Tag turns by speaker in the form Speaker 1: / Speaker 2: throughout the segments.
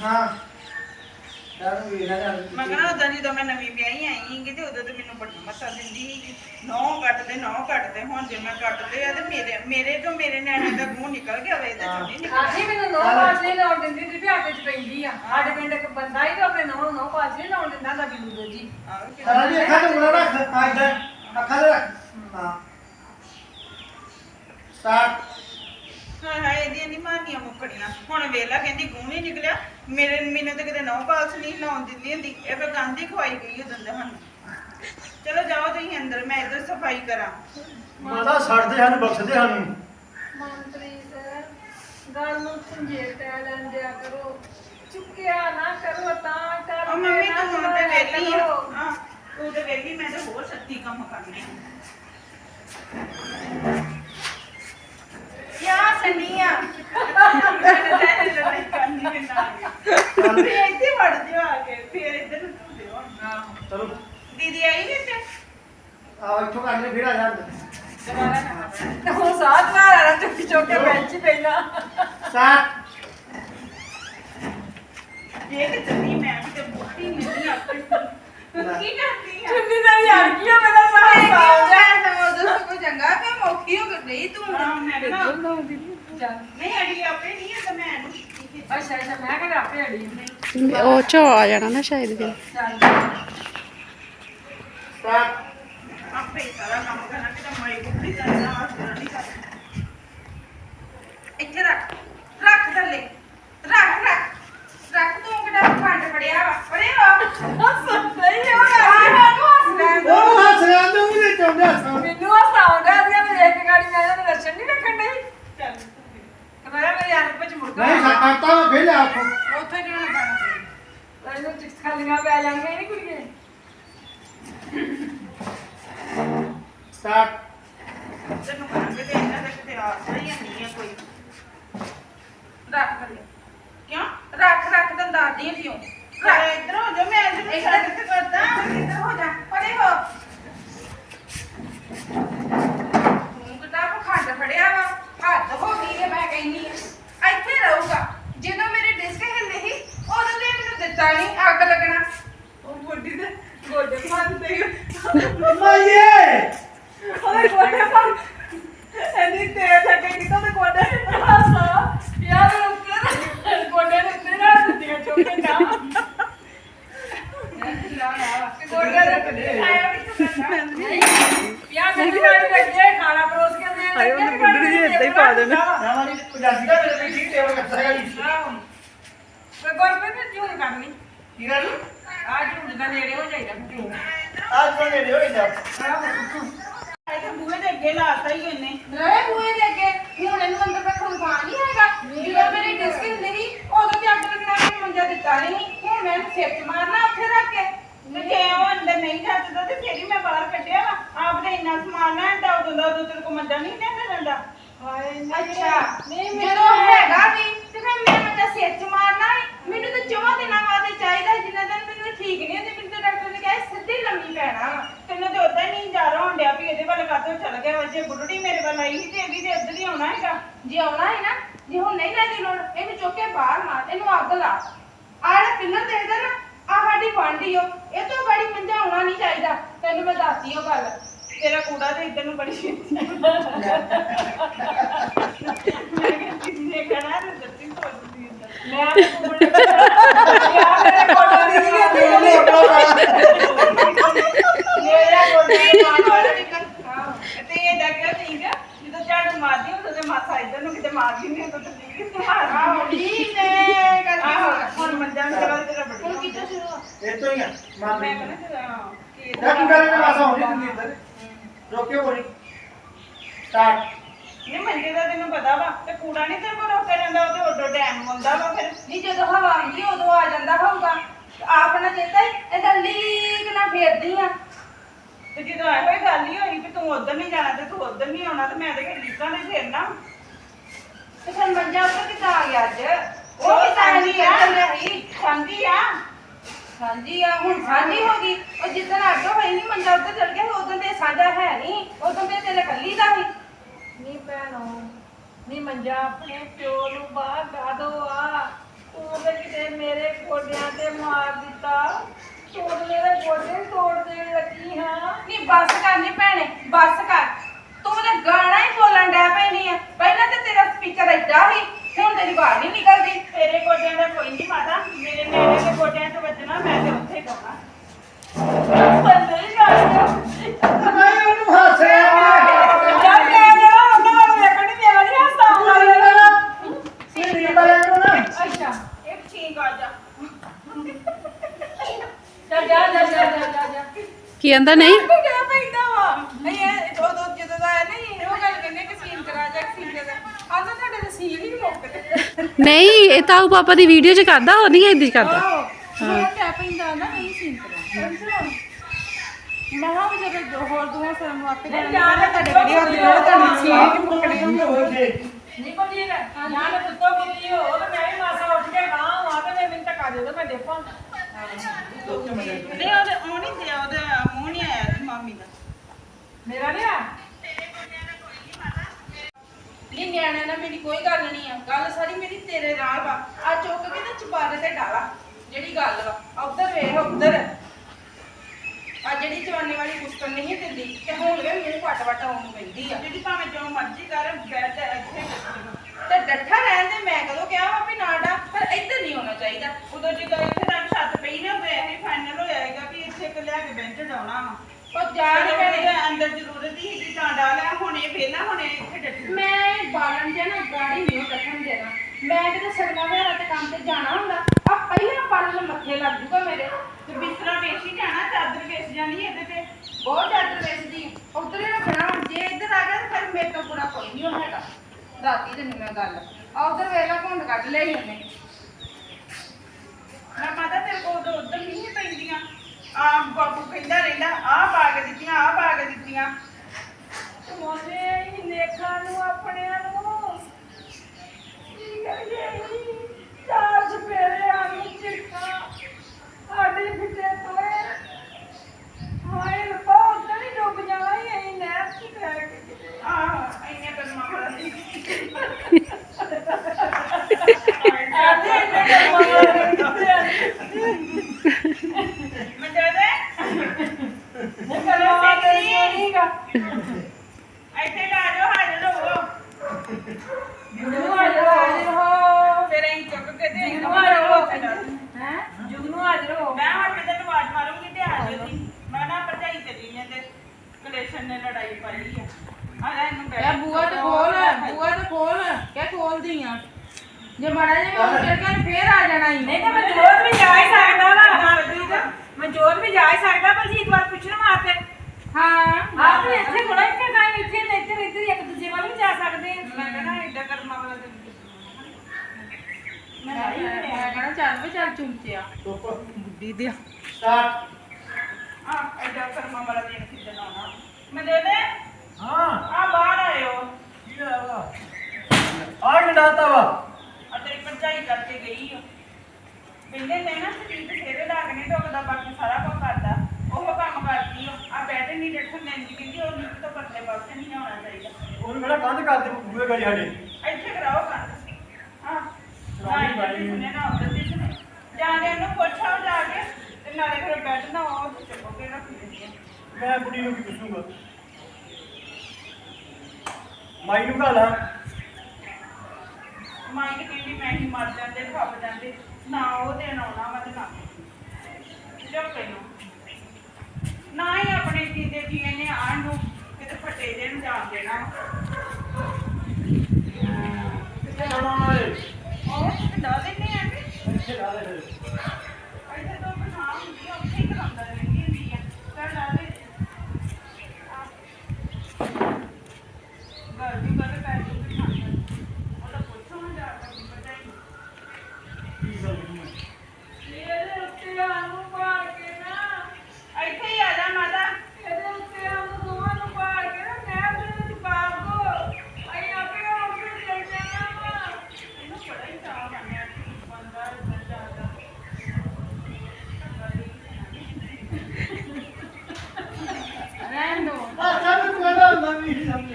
Speaker 1: ਹਾਂ ਯਾਰ ਵੀਰਾ ਯਾਰ
Speaker 2: ਮੈਂ ਕਹਿੰਦਾ ਉਦੋਂ ਜਦੋਂ ਮੈਂ ਨਵੀਂ ਵਿਆਹੀ ਆਈ ਸੀਗੀ ਤੇ ਉਦੋਂ ਤੇ ਮੈਨੂੰ ਬੜਾ ਮੱਤਾ ਦਿੰਦੀ ਸੀਗੀ ਨੌ ਕੱਟਦੇ ਹੁਣ ਜੇ ਮੈਂ ਕੱਟਦੇ ਆ ਤੇ ਮੇਰੇ ਤੋਂ ਮੇਰੇ ਨਿਆਣੇ ਦਾ ਮੂੰਹ ਨਿਕਲ ਗਿਆ ਵੇ ਤੇ ਚੁੰਨੀ ਨਿਕਲ
Speaker 3: ਆਜੀ ਮੈਨੂੰ ਨੌ ਪਾਸਲੇ ਲਾਉਣ ਦਿੰਦੀ ਸੀ ਵੀ ਆਟੇ 'ਚ ਪੈਂਦੀ ਆ ਸਾਡੇ ਪਿੰਡ ਇੱਕ ਬੰਦਾ ਹੀ ਤੇ ਆਪਣੇ ਨੌ ਪਾਸਲੇ ਲਾਉਣ ਦਿੰਦਾ ਦਾ ਬਿੱਲੂ ਜੀ
Speaker 1: ਸਾਰਾ ਜੀ ਅੱਖਾਂ ਤੇ ਉਂਗਲਾਂ ਰੱਖ ਅੱਖਾਂ ਤੇ ਰੱਖ ਹਾਂ ਸਟਾਰਟ
Speaker 2: ਹਾਂ ਇਹਦੀਆਂ ਨਹੀਂ ਮਾਰਨੀਆਂ ਮੁੱਕੜੀਆਂ ਹੁਣ ਵੇਲਾ ਕਹਿੰਦੀ ਗੂੰ ਨਹੀਂ ਨਿਕਲਿਆ ਮੈਨੂੰ ਤਾਂ ਕਿਤੇ ਨੌ ਪਾਲਸ ਨਹੀਂ ਲਾਉਣ ਦਿੰਦੀ ਹੁੰਦੀ ਇਹ ਫਿਰ ਗਾਂਧੀ ਖਵਾਈ ਗਈ ਉਦੋਂ ਦੇ ਸਾਨੂੰ ਚਲੋ ਜਾਓ ਤੁਸੀਂ ਅੰਦਰ ਮੈਂ ਇੱਧਰ ਸਫਾਈ ਕਰਾਂ
Speaker 1: ਮਾਤਾ ਛੱਡਦੇ ਹਨ ਬਖਸ਼ਦੇ ਹਨ
Speaker 3: ਮਨਪ੍ਰੀਤ ਗੱਲ ਨੂੰ ਸਮਝੇਟਾ ਲੈਂਦਿਆ ਕਰੋ ਚੁੱਕਿਆ ਨਾ ਕਰੋ ਤਾਂ ਕਰ
Speaker 2: ਉਹ ਮੰਮੀ ਤੂੰ ਹੁਣ ਤੇ ਵੇਲੀ ਆ ਹਾਂ ਤੂੰ ਤੇ ਵੇਲੀ ਮੈਂ ਤਾਂ ਹੋਰ ਸੱਤੀ ਕੰਮ ਕਰਨੇ ਕਿਆ ਸੰਨੀਆ ਫਿਰ ਇੱਥੇ ਵੜ ਜਿਓ ਆ ਕੇ ਫਿਰ ਇੱਧਰ ਨੂੰ ਤੂੰ ਦਿਓ
Speaker 1: ਚਲੋ
Speaker 2: ਦੀਦੀ ਆਈ ਨੀ ਤੇ
Speaker 1: ਆ ਇੱਥੋਂ ਕਰ ਲੈ ਫਿਰ ਆ ਜਾ
Speaker 3: ਹੁਣ ਸਾਥ ਨਾਲ ਆ ਚੁੱਕੀ ਚੁੱਕ ਕੇ ਬੈਂਚ ਪੈਣਾ
Speaker 1: ਸਟਾਰਟ
Speaker 2: ਜੇ ਤੇ ਚੱਲੀ ਮੈਂ ਵੀ ਤੇ ਬੁੱਢੀ ਨਹੀਂ ਆਪਣੀ ਕੀ ਕਰਦੀ ਆ
Speaker 3: ਚੁੰਨੀ ਦਾ ਯਾਰ ਕੀ ਆ ਮੇਰਾ ਸਾਹ ਸਾਹ
Speaker 2: ਕੋਈ ਚੰਗਾ ਕਿ ਮੌਕੀ ਹੋ ਗਈ ਤੂੰ ਮੈਂ ਕਿਹਾ ਨਹੀਂ ਅੜੀ ਆਪੇ ਨਹੀਂ ਹੈ ਤਾਂ ਮੈਂ ਇਹਨੂੰ
Speaker 3: ਅੱਛਾ ਮੈਂ ਕਿਹਾ ਆਪੇ ਅੜੀ
Speaker 4: ਉਹ ਚੋ ਆ ਜਾਣਾ ਨਾ ਸ਼ਾਇਦ ਫਿਰ
Speaker 1: ਸਟਾਰਟ
Speaker 2: ਆਪੇ ਹੀ ਸਾਰਾ ਕੰਮ ਕਰਨਾ ਕਿ ਤਾਂ ਮਾਈ ਬੁੱਢੀ ਕਰਨਾ ਵਾਸਤੇ ਨਹੀਂ ਕਰਨਾ ਇੱਥੇ ਰੱਖ ਥੱਲੇ ਰੱਖ ਤੂੰ ਕਿਹੜਾ ਖੰਡ ਫੜਿਆ ਵਾ ਫੜੇ ਵਾ
Speaker 3: ਸਹੀ ਹੋ ਗਿਆ
Speaker 1: ਉਹ ਹੱਸ ਰਿਹਾ ਤੂੰ ਵੀ ਨਹੀਂ ਚਾਹੁੰਦਾ ਹੱਸਾਂ
Speaker 3: ਮੈਨੂੰ ਹਸਾਉਂਦਾ ਸੀ ਮੈਂ ਇੱਕ ਗਾੜੀ ਮੈਂ ਇਹਦਾ ਦਰਸ਼ਨ ਨਹੀਂ ਰੱਖਣ ਡਈ
Speaker 2: ਚੱਲ
Speaker 3: ਕਮਰਾ ਮੇਰੇ ਹੱਥ ਵਿੱਚ ਮੁੜਦਾ
Speaker 1: ਨਹੀਂ ਕਰਤਾ ਮੈਂ ਫੇਲ ਆਖੋ
Speaker 2: ਉੱਥੇ ਕਿਉਂ ਨਾ ਪਾਣਾ
Speaker 3: ਇਹਨੂੰ ਚਿਕਸ ਖਾਲੀਆਂ ਪੈ ਜਾਣਗੀਆਂ ਨਹੀਂ ਕੁੜੀਏ
Speaker 1: ਸਟਾਰਟ
Speaker 2: ਤੈਨੂੰ ਕਰਾਂਗੇ ਤੇ ਇਹਨਾਂ ਦਾ ਕਿਤੇ ਆਸਰਾ ਹੀ ਨਹੀਂ ਹੈ ਕੋਈ ਰੱਖ ਥੱਲੇ ਕਿਉਂ ਰੱਖ ਤਾਂ ਦੱਸਦੀ ਹਾਂ ਕਿਉਂ ਇੱਧਰ ਹੋ ਜਾ ਮੈਂ ਇੱਧਰ ਕਿੱਥੇ ਕਰਦਾ ਇੱਧਰ ਹੋ ਜਾ ਪਰੇ ਹੋ ਤੂੰ ਕਿਤਾ ਖੰਡ ਫੜਿਆ ਵਾ ਹੱਦ ਹੋ ਗਈ ਹੈ ਮੈਂ ਕਹਿੰਦੀ ਇੱਥੇ ਰਹੂਗਾ ਜਦੋਂ ਮੇਰੇ ਡਿਸਕ ਹਿੱਲੇ ਸੀ ਉਦੋਂ ਤੇ ਮੈਨੂੰ ਦਿੱਤਾ ਨਹੀਂ ਅੱਗ ਲੱਗਣਾ ਉਹ ਬੁੱਢੀ ਦੇ ਗੋਡੇ ਫਾਂਦੇ
Speaker 1: ਮਾਈਏ
Speaker 3: ਉਹਦੇ ਗੋਡੇ ਪਰ ਇਹਦੀ ਤੇਜ਼ ਅੱਗੇ ਕਿਤੋਂ ਦੇ ਗੋਡੇ ਹਾਸਾ ਯਾਰ ਉੱਤੇ ਗੋਡੇ ਦੇ ਉੱਤੇ ਨਾ ਦਿੱਤੀਆਂ ਚੋਕੇ ਨਾ ਗੋਡੇ ਦੇ ਉੱਤੇ ਆਇਆ ਵੀ ਤੂੰ ਯਾਰ ਮੇਰੀ ਨਾਲ ਲੱਗੇ ਖਾਣਾ ਪਰੋਸ ਕੇ ਦੇ
Speaker 4: ਆਏ ਉਹਨੇ ਬੁੱਢੜੀ ਜੀ ਏਦਾਂ ਹੀ ਪਾ ਦੇਣਾ
Speaker 1: ਨਾ ਵਾਲੀ ਪੰਜਾਬੀ ਦਾ ਮੇਰੇ ਵੀ ਠੀਕ ਟੇਬਲ ਕੱਟਦਾ ਹੈਗਾ ਜੀ
Speaker 3: ਮੈਂ ਗੋਡੇ ਤੇ ਕਿਉਂ ਨਹੀਂ ਕਰਨੀ
Speaker 1: ਕੀ ਗੱਲ
Speaker 3: ਆ ਝੂਠ ਦਾ ਨੇੜੇ ਹੋ ਜਾਈਦਾ ਕਿਉਂ
Speaker 1: ਅੱਜ ਮੈਂ ਨੇੜੇ ਹੋਈ ਜਾ
Speaker 2: ਇੱਥੇ ਬੂਹੇ ਦੇ ਅੱਗੇ ਲਾਤਾ ਹੀ ਇਹਨੇ
Speaker 5: ਰਹੇ ਬੂਏ ਦੇ ਅੱਗੇ ਹੁਣ ਇਹਨੂੰ ਅੰਦਰ ਰੱਖਣ ਦਾ ਨਹੀਂ ਹੈਗਾ ਜਦੋਂ ਮੇਰੇ ਡਿਸਕ ਹਿੱਲੇ ਸੀ ਉਦੋਂ ਤੇ ਅੱਗ ਲੱਗਣਾ ਕਿ ਮੰਜਾ ਦਿੱਤਾ ਨਹੀਂ ਹੁਣ ਮੈਂ ਸਿਰ 'ਚ ਮਾਰਨਾ ਉੱਥੇ ਰੱਖ ਕੇ
Speaker 2: ਤੇ ਜੇ ਉਹ ਅੰਦਰ ਨਹੀਂ ਜੱਜਦਾ ਤੇ ਫੇਰ ਹੀ ਮੈਂ ਬਾਹਰ ਕੱਢਿਆ ਵਾ ਆਪ ਤੇ ਇੰਨਾ ਸਮਾਨ ਨਾ ਏਦਾਂ ਉਦੋਂ ਦਾ ਉਦੋਂ ਤੇਰੇ ਕੋ ਮੰਜਾ ਨਹੀਂ ਲੈਂਦਾ ਜਾਂਦਾ
Speaker 5: ਅੱਛਾ ਜਦੋਂ ਹੈਗਾ ਵੀ ਤੇ ਫਿਰ ਮੈਂ ਮੰਜਾ ਸਿਰ 'ਚ ਮਾਰਨਾ ਸੀ ਮੈਨੂੰ ਤਾਂ 4 ਦਿਨਾਂ ਬਾਅਦ ਚਾਹੀਦਾ ਜਿੰਨਾ ਦਿਨ ਮੈਨੂੰ ਠੀਕ ਨਹੀਂ ਹੁੰਦੀ ਮੈਨੂੰ ਤਾਂ ਡਾਕਟਰ ਨੇ ਕਿਹਾ ਸਿੱਧੀ ਲੰਮੀ ਪੈਣਾ ਵਾ
Speaker 2: ਤੈਨੂੰ ਤੇ ਉਦਾਂ ਨਹੀਂ ਜਾ ਰਹਾ ਹੁੰਦਿਆ ਵੀ ਇਹਦੇ ਵੱਲ ਕਾਹਤੋਂ ਚੱਲ ਗਿਆ ਵਾ ਜੇ ਬੁੱਢੜੀ ਮੇਰੇ ਵੱਲ ਆਈ ਸੀ ਤੇ ਇਹ ਵੀ ਤੇ ਇੱਧਰ ਹੀ ਆਉਣਾ ਹੈਗਾ
Speaker 5: ਜੇ ਆਉਣਾ ਹੈ ਨਾ ਜੇ ਹੁਣ ਨਹੀਂ ਲੈਦੀ ਲੋੜ ਇਹਨੂੰ ਚੁੱਕ ਕੇ ਬਾਹਰ ਮਾਰ ਇਹਨੂੰ ਅੱਗ ਲਾ ਆਹ ਪਿੱਲਰ ਦੇਖਦਾ ਨਾ ਆ ਸਾਡੀ ਵਾਂਢੀ ਓ ਇਹ ਤੋਂ ਬੜੀ ਮੰਜਾ ਆਉਣਾ ਨਹੀਂ ਚਾਹੀਦਾ ਤੈਨੂੰ ਮੈਂ ਦੱਸਦੀ ਓ ਗੱਲ
Speaker 2: ਤੇਰਾ ਕੂੜਾ ਤੇ ਇੱਧਰ ਨੂੰ ਬੜੀ ਛੇਤੀ ਮੈਂ ਕਿਹਾ ਕਹਿਣਾ ਤੇ ਸੱਚੀ ਸੋਚਦੀ ਇੱਧਰ
Speaker 3: ਮੈਂ ਤੇ ਕੋਲ ਯਾਰ ਮੇਰੇ ਗੋਡੇ ਦੀ
Speaker 1: ਉਹਨੇ ਆਪਣਾ
Speaker 2: ਮੇਰਾ ਗੋਡੇ ਮਾਰ ਨਿਕਲ ਤੇ ਇਹ ਡੱਕਿਆ ਠੀਕ ਹੈ ਜਦੋਂ ਝਾੜੂ ਮਾਰਦੀ ਉਦੋਂ ਤੇ ਮਾਥਾ ਇੱਧਰ ਨੂੰ ਕਿਤੇ ਮਾਰਦੀ ਨਹੀਂ ਉਦੋਂ ਤੇ ਠੀਕ ਮਾਰਦੀ
Speaker 5: ਠੀਕ ਨੇ ਗੱਲ
Speaker 2: ਹੁਣ ਮੰਜਾ ਮੇਰਾ ਤੇਰਾ ਬੜੀ
Speaker 5: ਹੁਣ ਕਿੱਥੋਂ ਸ਼ੁਰੂ ਆ
Speaker 1: ਇਹ ਤੋਂ ਹੀ ਆ ਮਾਰ
Speaker 2: ਮੈਂ
Speaker 1: ਦੇ
Speaker 2: ਕਹਿੰਦਾ ਕਿ
Speaker 1: ਨਾ ਕੀ ਕਰੇ ਨਾ ਆਸਾ ਹੋਣੀ ਨਹੀਂ ਇੱਧਰ ਰੋਕਿਓ ਬੋਲੀ ਸਟਾਰਟ
Speaker 2: ਇਹ ਮੰਜੇ ਦਾ ਤੈਨੂੰ ਪਤਾ ਵਾ ਤੇ ਕੂੜਾ ਨਹੀਂ ਤੇਰੇ ਕੋਲ ਰੋਕਿਆ ਜਾਂਦਾ ਉਹ ਤੇ ਉਡੋ ਟਾਈਮ ਹੁੰਦਾ ਵਾ ਫਿਰ
Speaker 5: ਨਹੀਂ ਜਦੋਂ ਹਵਾ ਆਉਂਦੀ ਉਦੋਂ ਆ ਜਾਂਦਾ ਹੋਊਗਾ ਆਪਣਾ ਚੇਤਾ ਇਹਦਾ ਲੀਕ ਨਾ ਫੇਰਦੀ ਆ
Speaker 2: ਤੇ ਜਦੋਂ ਇਹੋ ਹੀ ਗੱਲ ਹੀ ਹੋਈ ਕਿ ਤੂੰ ਉਧਰ ਨਹੀਂ ਜਾਣਾ ਤੇ ਤੂੰ ਉਧਰ ਨਹੀਂ ਆਉਣਾ ਤੇ ਮੈਂ ਤੇ ਕਿ ਲੀਕਾਂ ਨੇ ਫੇਰਨਾ
Speaker 5: ਤੇ ਫਿਰ ਮੰਜਾ ਉੱਤੇ ਕਿੱਦਾਂ ਆ ਗਿਆ ਅੱਜ
Speaker 2: ਉਹ ਵੀ
Speaker 5: ਸਾਂਝੀ
Speaker 2: ਸਾਂਝੀ ਆ
Speaker 5: ਚੱਲ ਰਹੀ
Speaker 2: ਸਾਂਝੀ ਆ
Speaker 5: ਸਾਂਝੀ ਆ ਹੁਣ ਸਾਂਝੀ ਹੋ ਗਈ ਉਹ ਜਿੱਦਣ ਅੱਡ ਹੋਈ ਨਹੀਂ ਮੰਜਾ ਉੱਤੇ ਚੜ ਗਿਆ ਉਦੋਂ ਤੇ ਸਾਂਝਾ ਹੈ ਨਹੀਂ ਉਦੋਂ ਤੇ ਤੇਰੇ ਕੱਲੀ ਦਾ ਸੀ
Speaker 3: ਨੀ ਭੈਣੋ ਨੀ ਮੰਜਾ ਆਪਣੇ ਪਿਓ ਨੂੰ ਬਾਹਰ ਲਾ ਦੋ ਆ ਤੂੰ ਤੇ ਕਿਤੇ ਮੇਰੇ
Speaker 5: ਬੱਸ ਕਰ ਨੀ ਭੈਣੇ ਬੱਸ ਕਰ ਤੂੰ ਤੇ ਗਾਣਾ ਹੀ ਬੋਲਣ ਡੈ ਪੈਣੀ ਆ ਪਹਿਲਾਂ ਤੇ ਤੇਰਾ ਸਪੀਕਰ ਏਡਾ ਸੀ ਹੁਣ ਤੇਰੀ ਆਵਾਜ਼ ਨਹੀਂ ਨਿਕਲਦੀ
Speaker 3: ਤੇਰੇ ਗੋਡਿਆਂ ਦਾ ਕੋਈ ਨਹੀਂ ਮਾਤਾ ਮੇਰੇ ਨੇੜੇ ਦੇ ਗੋਡਿਆਂ 'ਚ ਵੱਜਣਾ ਮੈਂ ਤੇ ਉੱਥੇ ਹੀ ਗਾਉਣਾ ਬੰਦੇ ਹੀ ਗਾਣਾ
Speaker 1: ਮੈਂ ਉਹਨੂੰ ਹੱਸ ਰਿਹਾ
Speaker 3: ਜਦ ਮੈਂ ਉਹਨਾਂ ਵੱਲ ਵੇਖਣ ਨਹੀਂ ਮੇਰਾ ਨਹੀਂ ਹੱਸਦਾ ਆਉਂਦਾ
Speaker 1: ਸੀਰੀ ਵਾਲਿਆਂ ਨੂੰ ਨਾ
Speaker 3: ਅੱਛਾ ਇੱਕ ਠੀਕ ਆ ਜਾ ਚੱਲ ਜਾ ਜਾ ਜਾ ਜਾ ਜਾ
Speaker 4: ਕੀ ਕਹਿੰਦਾ ਨਹੀਂ
Speaker 2: ਕਿਆ ਪੈਂਦਾ ਵਾ ਨਹੀਂ ਇਹ ਦੋ ਜਦੋਂ ਦਾ ਆਇਆ ਨਹੀਂ ਉਹ ਗੱਲ ਕਹਿੰਦੇ ਕਿ ਸੀਨ ਕਰਾ ਜਾ ਸੀਨ ਕਰਾ ਆਹ ਤਾਂ ਤੁਹਾਡੇ ਦੇ ਸੀਨ ਹੀ ਮੁੱਕਦੇ
Speaker 4: ਨਹੀਂ ਇਹ ਤਾਊ ਪਾਪਾ ਦੀ ਵੀਡੀਓ 'ਚ ਕਰਦਾ ਉਹ ਨਹੀਂ ਇੰਦੀ ਕਰਦਾ
Speaker 2: ਹਾਂ ਕਿਆ ਪੈਂਦਾ ਨਾ ਨਹੀਂ ਸੀਨ ਕਰਾ ਮੈਂ ਹਾਂ ਜਦੋਂ ਹੋਰ ਦੋਹਾਂ ਸਾਲ ਨੂੰ ਆਪੇ
Speaker 3: ਨਹੀਂ
Speaker 2: ਜਾਣਾ
Speaker 3: ਜਾ
Speaker 2: ਤੁਹਾਡੇ ਵੀਡੀਓ ਦੀ ਲੋੜ ਤੁਹਾਨੂੰ ਸੀਨ ਹੀ ਮੁੱਕਣੇ
Speaker 3: ਨਹੀਂ ਬੋਲੀ ਨਾ ਜਾਂ ਮੈਂ ਤੁੱਤੋ ਬੋਲੀ ਹੋ ਤੇ ਮੈਂ ਵੀ ਮਾਸਾ ਉੱਠ ਕੇ ਗਾਂ ਆ ਤੇ ਮੈਨੂੰ ਟਕਾ ਦੇ ਦੋ ਮੈਂ ਦੇਖਾਂ
Speaker 2: ਨਹੀਂ ਉਹਦੇ ਉਹ ਨਹੀਂ ਦਿਆ ਉਹਦਾ ਮੂੰਹ ਨਹੀਂ ਆਇਆ ਸੀ ਮਾਮੀ ਦਾ
Speaker 3: ਮੇਰਾ ਨਹੀਂ ਆ
Speaker 5: ਨਹੀਂ ਨਿਆਣਿਆਂ ਨਾਲ ਮੇਰੀ ਕੋਈ ਗੱਲ ਨਹੀਂ ਆ ਗੱਲ ਸਾਰੀ ਮੇਰੀ ਤੇਰੇ ਨਾਲ ਵਾ ਆ ਚੁੱਕ ਕੇ ਨਾ ਚੁਬਾਰੇ ਤੇ ਡਾਲਾ ਜਿਹੜੀ ਗੱਲ ਵਾ ਉਧਰ ਵੇਖ ਉਧਰ ਆ ਜਿਹੜੀ ਜਵਾਨੀ ਵਾਲੀ ਮੁਸਕਨ ਨਹੀਂ ਦਿੰਦੀ ਤੇ ਹੁਣ ਵੇ ਮੂੰਹ ਪਟ ਪਟ ਆਉਣ ਨੂੰ ਪੈਂਦੀ ਆ
Speaker 2: ਜਿਹੜੀ ਭਾਵੇਂ ਜੋ ਮਰਜ਼ੀ ਕਰ ਬੈਠ ਇੱਥੇ
Speaker 5: ਤੇ ਡੱਠਾ ਰਹਿਣ ਦੇ ਮੈਂ ਕਦੋਂ ਕਿਹਾ ਵਾ ਵੀ ਨਾ ਡਾ ਪਰ ਇੱਧਰ ਨਹੀਂ ਹੋਣਾ ਚਾਹੀਦਾ
Speaker 2: ਉਦੋਂ ਜਿੱਦਾਂ ਇੱਥੇ ਤੱਕ ਛੱਤ ਪਈ ਨਾ ਉਹ ਇਹ ਫਾਈਨਲ ਹੋ ਜਾਏਗਾ ਵੀ ਇੱਥੇ ਇੱਕ ਲਿਆ ਕੇ ਬੈਂਚ ਡਾਉਣਾ ਵਾ
Speaker 5: ਉਹ ਜਾ ਨਹੀਂ
Speaker 2: ਮੇਰੇ
Speaker 5: ਪੈਣੀ
Speaker 2: ਅੰਦਰ ਜ਼ਰੂਰਤ ਹੀ ਕਿ ਤਾਂ ਡਾਲਿਆ ਹੁਣ ਇਹ ਵੇਲਾ ਹੁਣ ਇਹ ਇੱਥੇ ਡੱਠੂ
Speaker 5: ਮੈਂ ਬਾਲਣ ਜਾਂ ਨਾ ਗਾੜੀ ਨਹੀਂ ਕੱਟਣ ਦੇਣਾ ਮੈਂ ਕਿਤੇ ਸੜਨਾ ਮੇਰਾ ਤੇ ਕੰਮ ਤੇ ਜਾਣਾ ਹੁੰਦਾ ਆ ਪਹਿਲਾਂ ਬਾਲਣ ਮੱਥੇ ਲੱਗ ਜੂਗਾ ਮੇਰੇ
Speaker 2: ਤੇ ਬਿਸਤਰਾ ਵੇਚ ਹੀ ਜਾਣਾ ਚਾਦਰ ਵੇਚ ਜਾਣੀ ਇਹਦੇ ਤੇ
Speaker 5: ਬਹੁਤ ਚਾਦਰ ਵੇਚਦੀ ਉਧਰ ਹੀ ਰੱਖਣਾ ਹੁਣ ਜੇ ਇੱਧਰ ਆ ਗਿਆ ਤਾਂ ਫਿਰ ਮੇਰੇ ਤੋਂ ਬੁਰਾ ਕੋਈ ਨਹੀਂ ਹੈਗਾ ਰਾਤੀ ਤੇ ਨਹੀਂ ਮੈਂ ਗੱਲ ਆ ਉਧਰ ਵੇਲਾ ਘੁੰਡ ਕੱਢ ਲਈ ਉਹਨੇ
Speaker 2: ਮੈਂ ਮਾਤਾ ਤੇਰੇ ਕੋਲ ਉਦੋਂ ਉੱਧਰ ਨਹੀਂ ਪੈਂਦੀਆਂ ਆ ਬਾਪੂ ਕਹਿੰਦਾ ਰਹਿੰਦਾ ਆਹ ਪਾ ਕੇ ਦਿੱਤੀਆਂ ਆਹ ਪਾ ਕੇ ਦਿੱਤੀਆਂ
Speaker 3: ਮੋਨੇ ਹੀ ਨੇਕਾਂ ਨੂੰ ਆਪਣਿਆਂ ਨੂੰ ਕੀ ਕਰੀਏ ਚਾਰ ਚਪੇਰੇ ਆ ਨੂੰ ਚਿੱਕਾ ਸਾਡੇ ਫਿੱਟੇ ਤੋਏ ਹਾਏ ਰੱਬਾ ਉਧਰ ਹੀ ਡੁੱਬ ਜਾਣਾ ਹੀ ਅਸੀਂ ਨਹਿਰ 'ਚ ਪੈ ਕੇ
Speaker 2: ਆਹ ਇੰਨੇ ਕਰਮਾਂ ਵਾਲਾ ਸੀ
Speaker 3: ਆਦੇ ਇੰਨੇ ਕਰਮਾਂ
Speaker 2: ਮੈਂ ਜਾਦੇ
Speaker 3: ਕਰਮਾਂ ਤੇ ਨਹੀਂਗਾ
Speaker 2: ਇੱਥੇ ਆ ਜਾਓ ਹਾਜ਼ਰ ਹੋਵੋ
Speaker 3: ਜੁਗਨੂ ਹਾਜ਼ਰ ਹੋ
Speaker 2: ਫਿਰ ਅਸੀਂ ਚੁੱਕ ਕੇ ਤੇ
Speaker 3: ਜੁਗਨੂ ਹਾਜ਼ਰ ਹੋ ਹੈ ਜੁਗਨੂ ਹਾਜ਼ਰ ਹੋ
Speaker 2: ਮੈਂ ਹੁਣ ਕਿਤੇ ਨੂੰ ਆਵਾਜ਼ ਮਾਰੂੰਗੀ ਤੇ ਆ ਜਾਓ ਤੁਸੀਂ ਮੈਂ ਨਾ ਭਰਜਾਈ ਚੱਲੀ ਨੇ ਤੇ ਕਲੇਸ਼ਨ ਨੇ ਲੜਾਈ ਪਾਈ ਆ ਲੈ ਇਹਨੂੰ
Speaker 5: ਇਹ ਬੂਆ ਤੇ ਖੋਲ ਕਿਆ ਖੋਲਦੀ ਆ ਜੇ ਮਾੜਾ ਜਿਹਾ ਮੈਂ ਉੱਤਰ ਕੇ ਫੇਰ ਆ ਜਾਣਾ ਹੀ
Speaker 3: ਨਹੀਂ ਤਾਂ ਮਨਜੋਤ ਵੀ ਜਾ ਹੀ ਸਕਦਾ ਵਾ ਮਨਜੋਤ ਵੀ ਜਾ ਹੀ ਸਕਦਾ ਪਰ ਜੀ ਇੱਕ ਵਾਰ ਪੁੱਛਣ ਵਾਸਤੇ
Speaker 5: ਹਾਂ
Speaker 3: ਆਪ ਵੀ ਇੱਥੇ ਥੋੜਾ ਇੱਥੇ ਨਾ ਇੱਥੇ ਇੱਕ ਦੂਜੇ ਵੱਲ ਵੀ ਜਾ ਸਕਦੇ ਆ
Speaker 2: ਮੈਂ ਕਹਿੰਦਾ ਏਦਾਂ ਕਰਮਾਂ ਵਾਲਾ ਤੇ
Speaker 5: ਮੈਂ ਕਹਣਾ ਚੱਲ ਵੇ ਚੱਲ ਚੁੰਚਿਆ
Speaker 4: ਬੁੱਢੀ ਦਿਆ
Speaker 1: ਸਟਾਰਟ
Speaker 2: ਆ ਏਦਾਂ ਕਰਮਾਂ ਵਾਲਾ ਦਿਨ ਕਿੱਦਾਂ ਆਉਣਾ ਮੈਂ ਦੇ ਦੇ
Speaker 1: ਹਾਂ
Speaker 2: ਆ ਬਾਹਰ ਆਇਓ
Speaker 1: ਕੀ ਹੋਇਆ ਵਾ ਆ ਡਾਤਾ ਵਾ
Speaker 2: ਆ ਤੇਰੀ ਭਰਜਾਈ ਕਰਕੇ ਗਈ ਆ ਕਹਿੰਦੇ ਨੇ ਨਾ ਸਰੀਰ ਤੇ ਸੇਰੇ ਲੱਗਣੇ ਟੋਕਦਾ ਬਾਕੀ ਸਾਰਾ ਕੁਝ ਕਰਦਾ ਉਹ ਕੰਮ ਕਰਦੀ ਆ ਬੈਠ ਨਹੀਂ ਰੱਖਣ ਲੈਂਦੀ ਕਹਿੰਦੀ ਉਹ ਨਹੀਂ ਤਾਂ ਪਰਲੇ ਪਾਸੇ ਨਹੀਂ ਆਉਣਾ ਚਾਹੀਦਾ
Speaker 1: ਉਹਨੂੰ ਕਿਹੜਾ ਕੰਧ ਕਰਦੇ ਬੂਹੇ ਗੜੀ ਸਾਡੇ
Speaker 2: ਇੱਥੇ ਕਰਾਓ ਕੰਨ ਹਾਂ ਨਾ ਇੱਧਰ ਦੀ ਸੁਣੇ ਨਾ ਉੱਧਰ ਦੀ ਸੁਣੇ ਜਾਂਦੇ ਉਹਨੂੰ ਪੁੱਛਾਓ ਜਾ ਕੇ ਤੇ ਨਾਲੇ ਫਿਰ ਬੈਠ ਨਾ ਉਹ ਤੇ ਚੱਕੋਗੇ ਰੱਖ ਦਿੰਦੀ ਆ
Speaker 1: ਮੈਂ ਕੁੜੀ ਨੂੰ ਕੀ ਪੁੱਛੂਗਾ ਮਾਈ ਨੂੰ ਘਾਲਾਂ
Speaker 2: ਮਾਈਂਡ ਕਹਿੰਦੀ ਮੈਂ ਹੀ ਮਰ ਜਾਂਦੇ ਖੱਪ ਜਾਂਦੇ ਨਾ ਉਹ ਦਿਨ ਆਉਣਾ ਵਾ ਤੇ ਨਾ ਚੱਕੇ ਨੂੰ ਨਾ ਹੀ ਆਪਣੇ ਜੀਂਦੇ ਜੀਏ ਨੇ ਆਣ ਨੂੰ ਕਿਤੇ ਫਟੇ ਦੇ ਨੂੰ ਜਾਣ ਦੇਣਾ
Speaker 1: ਕਿੱਥੇ ਜਾਣਾ ਨਾਲੇ
Speaker 2: ਉਹ ਤੇ ਡਾ ਦਿੰਦੇ ਆ ਕਿ
Speaker 1: ਇੱਥੇ ਲਾ ਦੇ ਫਿਰ
Speaker 2: ਇੱਥੇ ਤੋਂ ਬਣਾ ਹੁੰਦੀ ਆ ਉੱਥੇ ਹੀ ਕਰਾਉਂਦਾ ਰਹਿੰਦੀ ਹੁੰਦੀ ਆ ਚੱਲ ਡਾ ਦੇ ਗੱਲ ਵੀ ਕਰ ਪੈ ਜੂਗੀ ਖਾਣ ਉਹਦਾ ਪੁੱਛੋ ਨਾ ਜਾ ਕੇ ਬਤਾਈ
Speaker 1: ਕੀ ਗੱਲ ਨਹੀਂ
Speaker 3: ਇਹਦੇ ਉੱਤੇ ਆਨੂੰ ਪਾ ਕੇ ਨਾ
Speaker 2: ਇੱਥੇ ਹੀ ਆ ਜਾ ਮਾਤਾ
Speaker 3: ਇਹਦੇ ਉੱਤੇ ਆਨੂੰ ਦੋਵਾਂ ਨੂੰ ਪਾ ਕੇ ਨਾ ਨਹਿਰ ਦੇ ਵਿੱਚ ਪਾ ਦੋ ਅਸੀਂ ਆਪੇ ਉੱਤੇ ਚੱਲ ਜਾਣਾ ਵਾ
Speaker 2: ਇਹਨੂੰ ਬੜਾ ਹੀ ਚਾਹ ਬਣਿਆ ਬੰਦਾ ਇੱਧਰ ਜਾਂਦਾ
Speaker 5: ਰਹਿਣ ਦੋ
Speaker 1: ਆ ਚੱਲ ਤੂੰ ਇਹਦਾ ਨਵੀਂ ਸਮਝ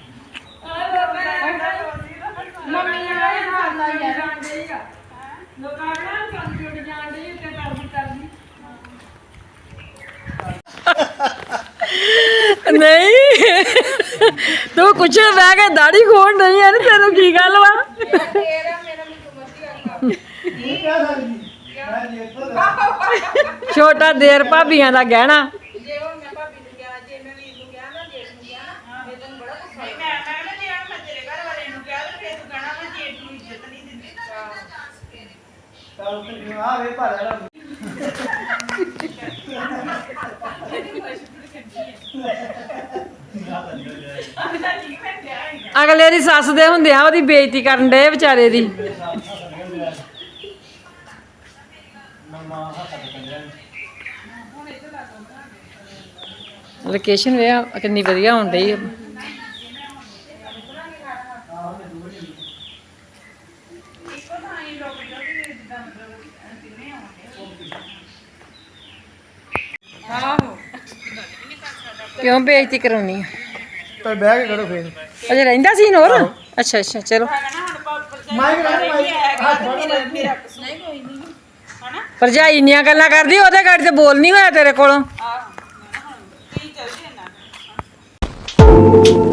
Speaker 5: ਮੰਮੀ ਨਾਲ ਇਹ ਹਾਲ ਦਾ ਯਾਰ
Speaker 3: ਜਾਣਦੇ ਹੀ ਆ ਲੋਕਾਂ ਨਾਲ ਕੰਪਿਊਟਰ ਜਾਣਦੇ ਹੀ ਤੇ ਕਰਦੀ ਨਹੀਂ ਤੂੰ ਕੁਛ ਬਹਿ ਕੇ ਦਾੜੀ ਖੋਣ ਨਹੀਂ ਹੈ ਤੈਨੂੰ ਕੀ ਗੱਲ ਵਾ
Speaker 2: ਤੇਰਾ ਮੇਰਾ ਮੈਨੂੰ ਮਰਜ਼ੀ ਆਉਂਦਾ
Speaker 1: ਇਹ ਕਿਆ ਸਕਦੀ ਮੈਂ ਜੀ ਇੱਥੋਂ ਦਾ
Speaker 3: ਛੋਟਾ ਦੇਰ ਭਾਬੀਆਂ ਦਾ ਗਹਿਣਾ
Speaker 5: ਜੇ ਹੁਣ ਮੈਂ ਭਾਬੀ ਨੂੰ ਕਿਹਾ ਜੇ ਮੈਂ ਵੀਰ ਨੂੰ ਕਿਹਾ ਨਾ ਜੇਠ ਨੂੰ ਕਿਹਾ ਨਾ ਇਹ ਤੈਨੂੰ ਬੜਾ ਗੁੱਸਾ ਨਹੀਂ ਮੈਂ ਨਾ ਜੇ ਮੈਂ ਤੇਰੇ ਘਰ ਵਾਲੇ ਨੂੰ ਕਿਹਾ ਤੇ ਫੇਰ ਤੂੰ ਕਹਿਣਾ ਮੈਂ ਜੇਠ ਨੂੰ ਇੱਜ਼ਤ ਨਹੀਂ ਦਿੰਦੀ
Speaker 1: ਚੱਲ ਤੇ ਆ ਵੇ ਭਾਲਾ
Speaker 3: ਅਗਲੇ ਦੀ ਸੱਸ ਦੇ ਹੁੰਦਿਆਂ ਉਹਦੀ ਬੇਇੱਜ਼ਤੀ ਕਰਨ ਡੇ ਵਿਚਾਰੇ ਦੀ ਲੋਕੇਸ਼ਨ ਵੇ ਕਿੰਨੀ ਵਧੀਆ ਹੋਣ ਡਈ ਆ। ਕਿਉਂ ਬੇਇੱਜ਼ਤੀ ਕਰਾਉਣੀ ਆ
Speaker 1: ਤੇ ਬਹਿ ਕੇ ਕਰੋ ਫੇਰ
Speaker 3: ਅਜੇ ਰਹਿੰਦਾ ਸੀ ਹੋਰ ਅੱਛਾ ਅੱਛਾ ਚਲੋ
Speaker 1: ਮਾਈਕ ਨਾਲ ਮਾਈਕ ਹੱਥ ਫੜ
Speaker 5: ਮੇਰਾ ਨਹੀਂ ਕੋਈ ਨਹੀਂ ਹਨਾ
Speaker 3: ਭਰਜਾਈ ਇੰਨੀਆਂ ਗੱਲਾਂ ਕਰਦੀ ਉਹਦੇ ਗਾੜੀ ਤੇ ਬੋਲ ਨਹੀਂ ਹੋਇਆ ਤੇਰੇ ਕੋਲੋਂ
Speaker 5: ਆਹ ਹੁਣ ਕੀ ਚੱਲਦੀ ਹੈ ਨਾ